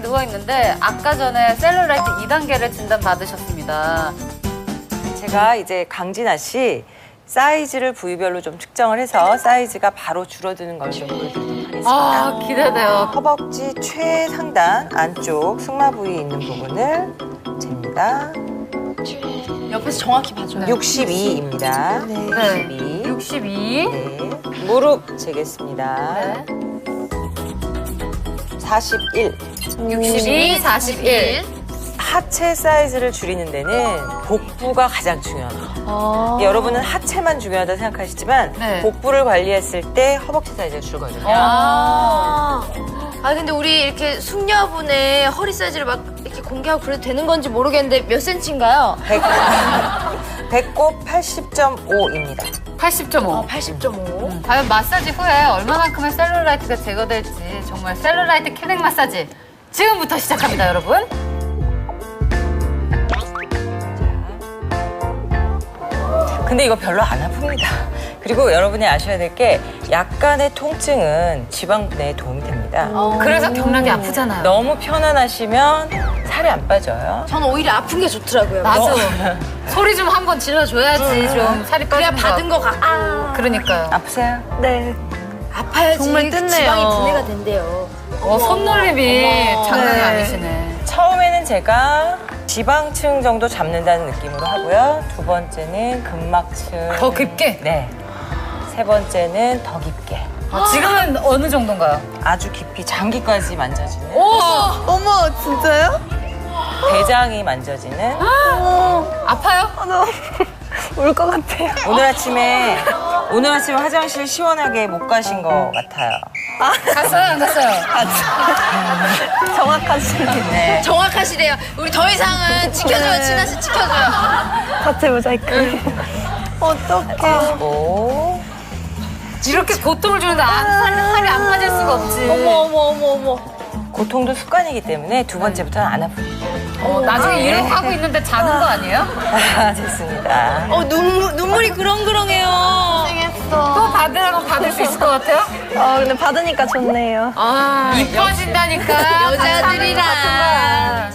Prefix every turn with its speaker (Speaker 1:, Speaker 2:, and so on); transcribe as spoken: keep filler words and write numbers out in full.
Speaker 1: 누워있는데 아까 전에 셀룰라이트 이 단계를 진단받으셨습니다.
Speaker 2: 제가 이제 강진아 씨 사이즈를 부위별로 좀 측정을 해서 사이즈가 바로 줄어드는 걸 좀 보여드리도록 하겠습니다.
Speaker 1: 아, 기대돼요.
Speaker 2: 허벅지 최상단 안쪽 승마 부위 있는 부분을 잽니다.
Speaker 3: 옆에서 정확히 봐줘요.
Speaker 2: 육십이입니다.
Speaker 3: 네.
Speaker 1: 네.
Speaker 2: 육십이.
Speaker 1: 육십이.
Speaker 2: 네. 무릎 재겠습니다.
Speaker 1: 네.
Speaker 2: 사십일.
Speaker 1: 육십이, 사십일.
Speaker 2: 하체 사이즈를 줄이는 데는 복부가 가장 중요합니다. 여러분은 하체만 중요하다 생각하시지만
Speaker 1: 네.
Speaker 2: 복부를 관리했을 때 허벅지 사이즈가 줄거든요.
Speaker 3: 아. 아 근데 우리 이렇게 숙녀분의 허리 사이즈를 막 이렇게 공개하고 그래도 되는 건지 모르겠는데 몇 센치인가요?
Speaker 2: 배꼽 팔십 점 오입니다.
Speaker 1: 팔십 점 오.
Speaker 3: 팔십 점 오.
Speaker 1: 과연 마사지 후에 얼마만큼의 셀룰라이트가 제거될지 정말 셀룰라이트 킬링 마사지 지금부터 시작합니다, 여러분.
Speaker 2: 근데 이거 별로 안 아픕니다. 그리고 여러분이 아셔야 될 게 약간의 통증은 지방분해에 도움이 됩니다.
Speaker 1: 그래서 경락이 아프잖아요.
Speaker 2: 너무 편안하시면 살이 안 빠져요.
Speaker 3: 저는 오히려 아픈 게 좋더라고요.
Speaker 1: 나도 소리 좀 한번 질러줘야지 좀 살이
Speaker 3: 그래야
Speaker 1: 빠지는
Speaker 3: 받은 거 가. 아.
Speaker 1: 그러니까요.
Speaker 2: 아프세요?
Speaker 3: 네. 아파야지
Speaker 4: 정말 뜯네요.
Speaker 3: 지방이 분해가 된대요.
Speaker 1: 어, 손놀림이 장난이
Speaker 4: 네.
Speaker 1: 아니시네.
Speaker 2: 처음에는 제가 지방층 정도 잡는다는 느낌으로 하고요. 두 번째는 근막층.
Speaker 1: 더 깊게?
Speaker 2: 네. 세 번째는 더 깊게.
Speaker 1: 아, 지금은 어느 정도인가요?
Speaker 2: 아주 깊이 장기까지 만져지는.
Speaker 1: 오!
Speaker 4: 어머, 진짜요?
Speaker 2: 대장이 만져지는.
Speaker 1: 아파요?
Speaker 4: 울 것 같아요.
Speaker 2: 오늘 아침에 오늘 아침에 화장실 시원하게 못 가신 것 같아요.
Speaker 1: 갔어요, 안 갔어요?
Speaker 4: 정확하시네.
Speaker 2: 네.
Speaker 3: 정확하시대요. 우리 더 이상은 지켜줘요, 진아 씨 지켜줘요.
Speaker 4: 자체 모자이크. 어떡해.
Speaker 2: 오.
Speaker 1: 이렇게 고통을 주는데 안, 살이, 살이 안 빠질 수가 없지.
Speaker 3: 어머 어머 어머 어머.
Speaker 2: 고통도 습관이기 때문에 두 번째부터는 안 아픕니다.
Speaker 1: 어, 나중에 이러고 하고 있는데 자는 거 아니에요?
Speaker 2: 아, 됐습니다.
Speaker 3: 어 눈물 눈물이 그렁그렁해요.
Speaker 1: 또 받으라고 받을 수 있을 것 같아요?
Speaker 4: 어, 근데 받으니까 좋네요.
Speaker 3: 아
Speaker 1: 이뻐진다니까.
Speaker 3: 여자들이라.